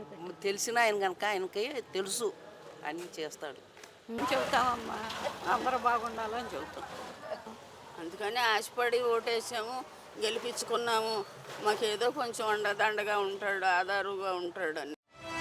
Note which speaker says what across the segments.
Speaker 1: తెలిసిన ఆయన కనుక ఆయనకి తెలుసు అన్నీ చేస్తాడు.
Speaker 2: చెబుతామమ్మా, అందరూ బాగుండాలని చెబుతాం. అందుకని ఆశపడి ఓటేసాము, గెలిపించుకున్నాము. మాకేదో కొంచెం అండదండగా ఉంటాడు, ఆధారుగా ఉంటాడు అని.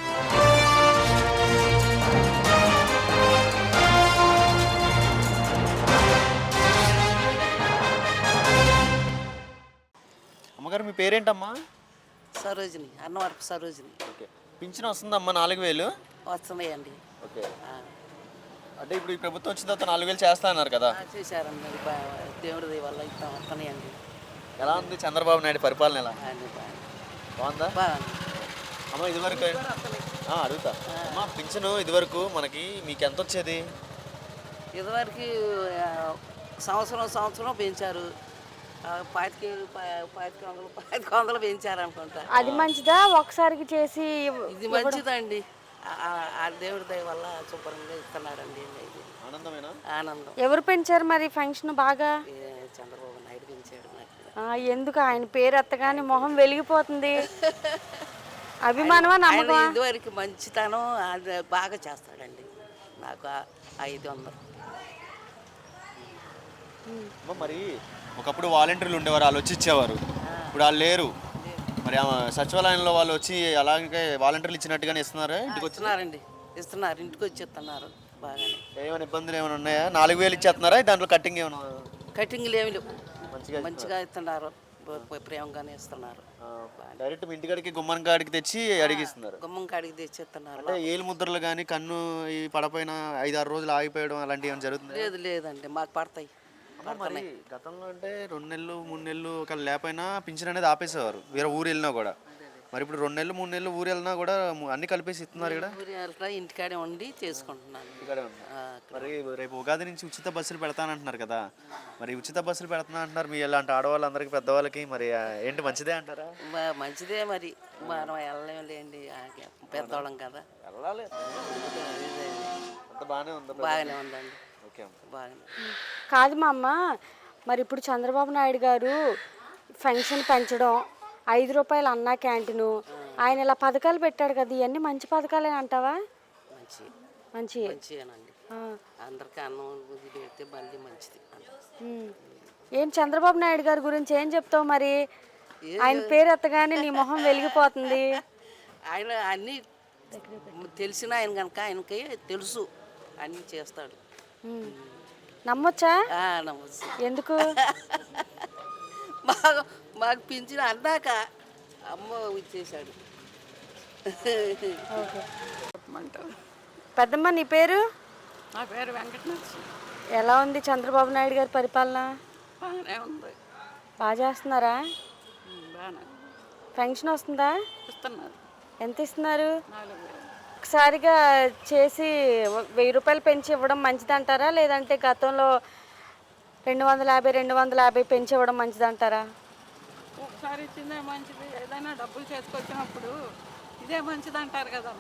Speaker 3: అమ్మగారు మీ పేరేంటమ్మా?
Speaker 1: సరోజిని, అన్నవరపు సరోజిని.
Speaker 3: ఓకే. పింఛన్ వస్తుందమ్మా 4000?
Speaker 1: వస్తున్నాయండి.
Speaker 3: ఓకే. అంటే ఇప్పుడు ఈ ప్రభుత్వం వచ్చిన తర్వాత 4000 చేస్తా అన్నారు కదా?
Speaker 1: చేశారండి. దేవుడి వల్ల ఇట్లా వస్తున్నాయండి.
Speaker 3: ఎలా ఉంది చంద్రబాబు నాయుడు పరిపాలన? ఎలా బాగుందా?
Speaker 1: బాగుంది.
Speaker 3: అమ్మ ఇదివరకు అడుగుతా అమ్మా, పింఛను ఇదివరకు మనకి మీకు ఎంత వచ్చేది?
Speaker 1: ఇదివరకు సంవత్సరం పెంచారు. 2500 పెంచారు అనుకుంటా.
Speaker 4: అది మంచిదా ఒకసారికి చేసి?
Speaker 1: ఇది మంచిదండి. ఆ దేవుడి దయ వల్ల శుభ్రంగా ఇస్తున్నాడండి. ఇది
Speaker 3: ఆనందమేనా?
Speaker 1: ఆనందం.
Speaker 4: ఎవరు పెంచారు మరి ఫంక్షన్ బాగా?
Speaker 1: చంద్రబాబు నాయుడు పెంచాడు.
Speaker 4: ఎందుకు ఆయన పేరు ఎత్తగానే మొహం వెలిగిపోతుంది? అభిమానమా నమ్మకమా?
Speaker 1: ఇదివరకు మంచితనం అది బాగా చేస్తాడండి. నాకు 500.
Speaker 3: మరి ఒకప్పుడు వాలంటీర్లు ఉండేవారు, వాళ్ళు వచ్చి ఇచ్చేవారు. ఇప్పుడు వాళ్ళు లేరు. మరి సచివాలయంలో వాళ్ళు వచ్చి అలాగే వాలంటీర్లు ఇచ్చినట్టుగానే ఇస్తున్నారా? ఇంటికి
Speaker 1: వచ్చినారండి, ఇస్తున్నారు. ఇంటికి వచ్చి ఇస్తున్నారు. బాగానే.
Speaker 3: ఏమైనా ఇబ్బందులు ఏమైనా ఉన్నాయా? 4000 ఇచ్చేస్తున్నారా? దాంట్లో కట్టింగ్ ఏమైనా?
Speaker 1: కటింగ్లు ఏమి లేవు. మంచిగా ఇస్తున్నారు. ప్రేమగానే ఇస్తున్నారు.
Speaker 3: డైరెక్ట్ మీ ఇంటికాడికి గుమ్మం కాడికి తెచ్చి అడిగిస్తున్నారు.
Speaker 1: గుమ్మం కాడికి తెచ్చి ఇస్తున్నారు.
Speaker 3: అంటే ఏలు ముద్రలు కానీ కన్ను ఈ పడపోయిన 5-6 రోజులు ఆగిపోయడం అలాంటివి ఏమైనా జరుగుతుంది?
Speaker 1: లేదండి, మాకు పడతాయి.
Speaker 3: మరి గతంలో అంటే 2 నెలలు 3 నెలలు ఒక లేకపోయినా పింఛన్ అనేది ఆపేసేవారు వేరే ఊరు వెళ్ళినా కూడా. మరి ఇప్పుడు 2 నెలలు 3 నెలలు ఊరు వెళ్ళినా కూడా అన్ని కలిపేసి ఇస్తున్నారు ఇక్కడ.
Speaker 1: ఇంటికాడే ఉండి చేసుకుంటున్నాను.
Speaker 3: మరి రేపు ఉగాది నుంచి ఉచిత బస్సులు పెడతానంటున్నారు కదా? మరి ఉచిత బస్సులు పెడతాను అంటున్నారు. మీ ఇలాంటి ఆడవాళ్ళందరికీ పెద్దవాళ్ళకి మరి ఏంటి మంచిదే అంటారా?
Speaker 1: మంచిదే. మరి మనం వెళ్ళలేండి, పెద్దవాళ్ళం కదా.
Speaker 3: వెళ్ళాలి.
Speaker 1: బాగానే ఉందండి.
Speaker 4: కాదు మా అమ్మ, మరి ఇప్పుడు చంద్రబాబు నాయుడు గారు పెన్షన్ పెంచడం, 5 రూపాయలు అన్నా క్యాంటీను, ఆయన ఇలా పథకాలు పెట్టాడు కదా, ఇవన్నీ మంచి పథకాలే అంటావా?
Speaker 1: మంచిదేనండి. అందరికీ అన్నం పెడితే మళ్ళీ మంచిది.
Speaker 4: ఏం చంద్రబాబు నాయుడు గారి గురించి ఏం చెప్తావు మరి? ఆయన పేరు ఎత్తగానే నీ మొహం వెలిగిపోతుంది.
Speaker 1: ఆయన అన్నీ తెలిసిన ఆయన కనుక ఆయనకి తెలుసు అన్నీ చేస్తాడు.
Speaker 4: నమ్మొచ్చా?
Speaker 1: నమ్మొచ్చు.
Speaker 4: ఎందుకు?
Speaker 1: మాకు పింఛన్ అన్నాక అమ్మ ఇచ్చేసాడు.
Speaker 4: పెద్దమ్మ నీ పేరు?
Speaker 2: నా పేరు వెంకటనరసింహ.
Speaker 4: ఎలా ఉంది చంద్రబాబు నాయుడు గారి పరిపాలన?
Speaker 2: బాగానే ఉంది.
Speaker 4: బాగా చేస్తున్నారా?
Speaker 2: బాగానే.
Speaker 4: పెన్షన్ వస్తుందా?
Speaker 2: ఇస్తున్నారు.
Speaker 4: ఎంత ఇస్తున్నారు?
Speaker 2: 4000.
Speaker 4: ఒకసారిగా చేసి 1000 రూపాయలు పెంచి ఇవ్వడం మంచిదంటారా, లేదంటే గతంలో 250 పెంచి ఇవ్వడం మంచిదంటారా?
Speaker 2: ఒకసారి ఇచ్చిందే మంచిది. ఏదైనా డబ్బులు చేసుకొచ్చినప్పుడు ఇదే మంచిది అంటారు కదా.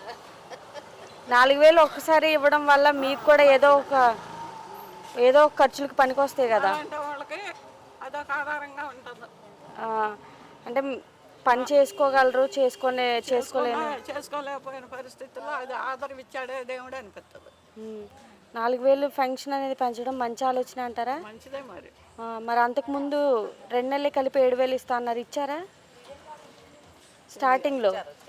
Speaker 4: 4000 ఒక్కసారి ఇవ్వడం వల్ల మీకు కూడా ఏదో ఒక ఖర్చులకు పనికొస్తాయి కదా.
Speaker 2: అంటే వాళ్ళకి అదొక ఆధారంగా ఉంటుంది.
Speaker 4: అంటే పని చేసుకోగలరు, చేసుకోలేకపోయిన పరిస్థితుల్లో అది ఆధారం ఇచ్చాడే దేవుడు అనిపిస్తుంది. 4000 పెన్షన్ అనేది పెంచడం మంచి ఆలోచన అంటారా?
Speaker 2: మంచిదే.
Speaker 4: మరి అంతకుముందు 2 నెలలు కలిపి 7000 ఇస్తా అన్నారు, ఇచ్చారా? స్టార్టింగ్లో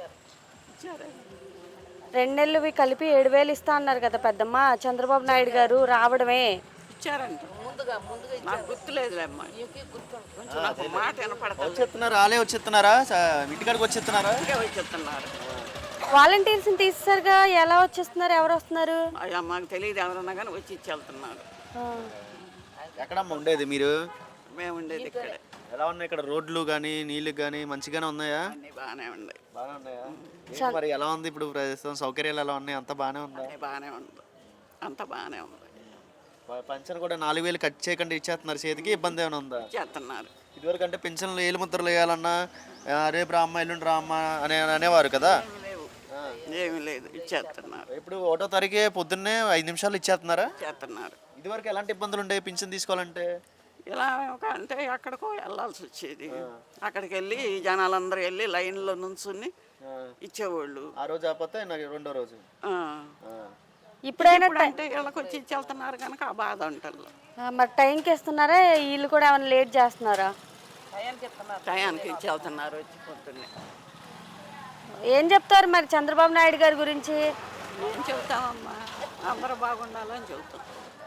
Speaker 4: 2 నెలలు కలిపి 7000 ఇస్తా అన్నారు కదా పెద్దమ్మ. చంద్రబాబు నాయుడు గారు రావడమే
Speaker 2: ఇచ్చారంట. నాకు గుర్తులేదులేమ్మా. నాకు మాట వినపడుతుంది.
Speaker 3: ఆలే వచ్చేస్తున్నారా? ఇంటికాడికి వచ్చేస్తున్నారా?
Speaker 2: వచ్చేస్తున్నారు.
Speaker 4: వాలంటీర్స్ని తీసేసరిగా ఎలా వచ్చేస్తున్నారు? ఎవరు వస్తున్నారు?
Speaker 2: అయ్యా మాకు తెలియదు. ఎవరన్నా కానీ వచ్చి ఇచ్చి వెళ్తున్నారు.
Speaker 3: ఎక్కడమ్మా ఉండేది మీరు?
Speaker 2: మేము ఉండేది ఇక్కడే.
Speaker 3: ఎలా ఉన్నాయి ఇక్కడ రోడ్లు కానీ నీళ్ళు కానీ మంచిగానే ఉన్నాయా?
Speaker 2: అన్నీ బాగానే ఉన్నాయి.
Speaker 3: బాగానే ఉన్నాయా? మరి ఎలా ఉంది ఇప్పుడు ప్రస్తుతం? సౌకర్యాలు ఎలా ఉన్నాయి? అంత బాగానే ఉందా?
Speaker 2: బాగానే ఉంది. అంత బాగానే ఉంది.
Speaker 3: పెన్షన్ కూడా 4000 కట్ చేయకుండా ఇచ్చేస్తున్నారు చేతికి. ఇబ్బంది ఏమైనా ఉందా?
Speaker 2: చేస్తున్నారు.
Speaker 3: ఇదివరకు అంటే పెన్షన్లు ఏలు ముద్రలు వేయాలన్నా రేపు రామ్మ ఎల్లుండి రామ్మ అనేవారు కదా.
Speaker 2: ఏమి లేదు, ఇచ్చేస్తున్నారు.
Speaker 3: ఇప్పుడు 1వ తారీఖే పొద్దున్నే 5 నిమిషాలు ఇచ్చేస్తున్నారా?
Speaker 2: చేస్తున్నారు.
Speaker 3: ఇదివరకు ఎలాంటి ఇబ్బందులు ఉండేవి పింఛన్ తీసుకోవాలంటే?
Speaker 2: ఇలా అంటే ఎక్కడికో వెళ్ళాల్సి వచ్చేది. అక్కడికి వెళ్ళి జనాలందరూ వెళ్ళి లైన్లో నుంచుని ఇచ్చేవాళ్ళు.
Speaker 3: ఆ రోజు ఆపతే నాకు రెండో రోజు.
Speaker 2: ఆ.
Speaker 4: ఇప్పుడైనా
Speaker 2: అంటే వీళ్ళకి వచ్చి ఇచ్చేళ్తున్నారు కనుక ఆ బాధ ఉంటుంది.
Speaker 4: మరి టైంకి ఇస్తున్నారా, వీళ్ళు కూడా ఏమైనా లేట్ చేస్తున్నారా?
Speaker 2: టయానికి ఇచ్చేళ్తున్నారు వచ్చి పొద్దున్నే.
Speaker 4: ఏం చెప్తారు మరి చంద్రబాబు నాయుడు గారి గురించి?
Speaker 2: ఏం చెబుతామమ్మా, అందరూ బాగుండాలని చెబుతాం.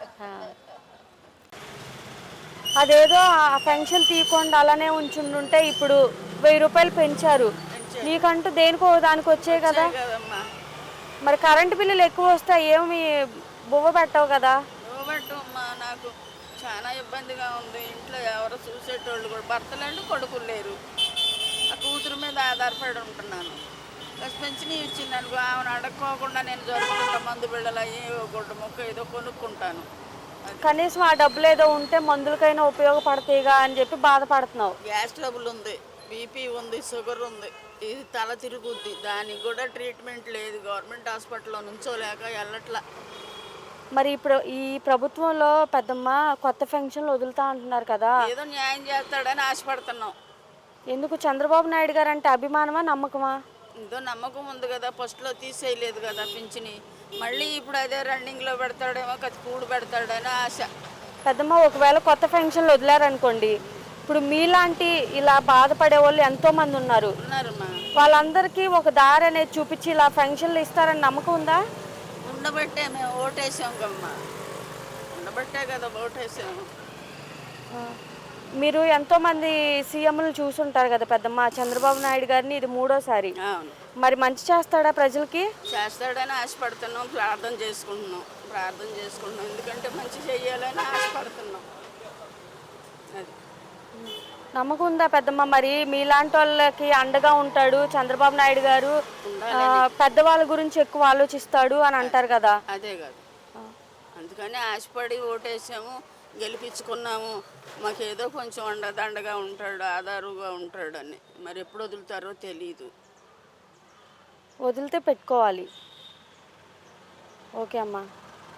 Speaker 4: అదేదో ఆ పెన్షన్ తీయకుండా అలానే ఉంచుంటే ఇప్పుడు 1000 రూపాయలు పెంచారు. నీకంటూ దేనికో దానికి వచ్చాయి కదా.
Speaker 2: కదమ్మా,
Speaker 4: మరి కరెంటు బిల్లులు ఎక్కువ వస్తాయి, ఏమి బువ్వ పెట్టవు కదా.
Speaker 2: అమ్మా నాకు చాలా ఇబ్బందిగా ఉంది. ఇంట్లో ఎవరు చూసేటోళ్ళు కూడా భర్తలేండి, కొడుకులు లేరు. ఆ కూతురు మీద ఆధారపడి ఉంటున్నాను. పెంచిని ఇచ్చింది అనుకో, ఆమెను అడక్కోకుండా నేను జరుగుతుంటా, మందు బిళ్ళలు అయ్యి గుడ్డ మొక్క ఏదో కొనుక్కుంటాను.
Speaker 4: కనీసం ఆ డబ్బులు ఏదో ఉంటే మందులకైనా ఉపయోగపడతాయిగా అని చెప్పి బాధపడుతున్నావు.
Speaker 2: గ్యాస్ ట్రబుల్ ఉంది, బీపీ ఉంది, షుగర్ ఉంది, ఇది తల తిరుగుద్ది. దానికి కూడా ట్రీట్మెంట్ లేదు. గవర్నమెంట్ హాస్పిటల్లో నుంచోలేక వెళ్ళట్లా.
Speaker 4: మరి ఇప్పుడు ఈ ప్రభుత్వంలో పెద్దమ్మ కొత్త పెన్షన్లు వదులుతా అంటున్నారు కదా,
Speaker 2: ఏదో న్యాయం చేస్తాడని ఆశపడుతున్నాం.
Speaker 4: ఎందుకు? చంద్రబాబు నాయుడు గారు అంటే అభిమానమా, నమ్మకమా?
Speaker 2: ఏదో నమ్మకం ఉంది కదా, ఫస్ట్లో తీసేయలేదు కదా పింఛని. మళ్ళీ ఇప్పుడు అదే రన్నింగ్లో పెడతాడేమో, కూడు పెడతాడని ఆశ.
Speaker 4: పెద్దమ్మ ఒకవేళ కొత్త పెన్షన్లు వదిలారనుకోండి, ఇప్పుడు మీలాంటి ఇలా బాధపడే వాళ్ళు ఎంతో మంది ఉన్నారు.
Speaker 2: ఉన్నారమ్మా.
Speaker 4: వాళ్ళందరికీ ఒక దారి అనేది చూపించి ఇలా పెన్షన్లు ఇస్తారని నమ్మకం ఉందా?
Speaker 2: ఉండబట్టే మేము ఓటేసాం కమ్మా, ఉండబట్టే కదా ఓటేసాము.
Speaker 4: మీరు ఎంతో మంది సీఎంలు చూసుంటారు కదా పెద్దమ్మ, చంద్రబాబు నాయుడు గారిని ఇది 3వ సారి.
Speaker 2: అవును,
Speaker 4: మరి మంచి చేస్తాడా ప్రజలకి?
Speaker 2: చేస్తాడని ఆశపడుతున్నాం, ప్రార్థన చేసుకుంటున్నాం. ఎందుకంటే మంచి చెయ్యాలని ఆశపడుతున్నాం. అది
Speaker 4: నమ్మకం ఉందా పెద్దమ్మ? మరి మీలాంటి వాళ్ళకి అండగా ఉంటాడు చంద్రబాబు నాయుడు గారు, పెద్దవాళ్ళ గురించి ఎక్కువ ఆలోచిస్తాడు అని అంటారు కదా.
Speaker 2: అదే కాదు, అందుకని ఆశపడి ఓటేసాము, గెలిపించుకున్నాము. మాకేదో కొంచెం అండదండగా ఉంటాడు, ఆధారుగా ఉంటాడని. మరి ఎప్పుడు వదులుతారో తెలీదు.
Speaker 4: వదిలితే పెట్టుకోవాలి. ఓకే అమ్మా.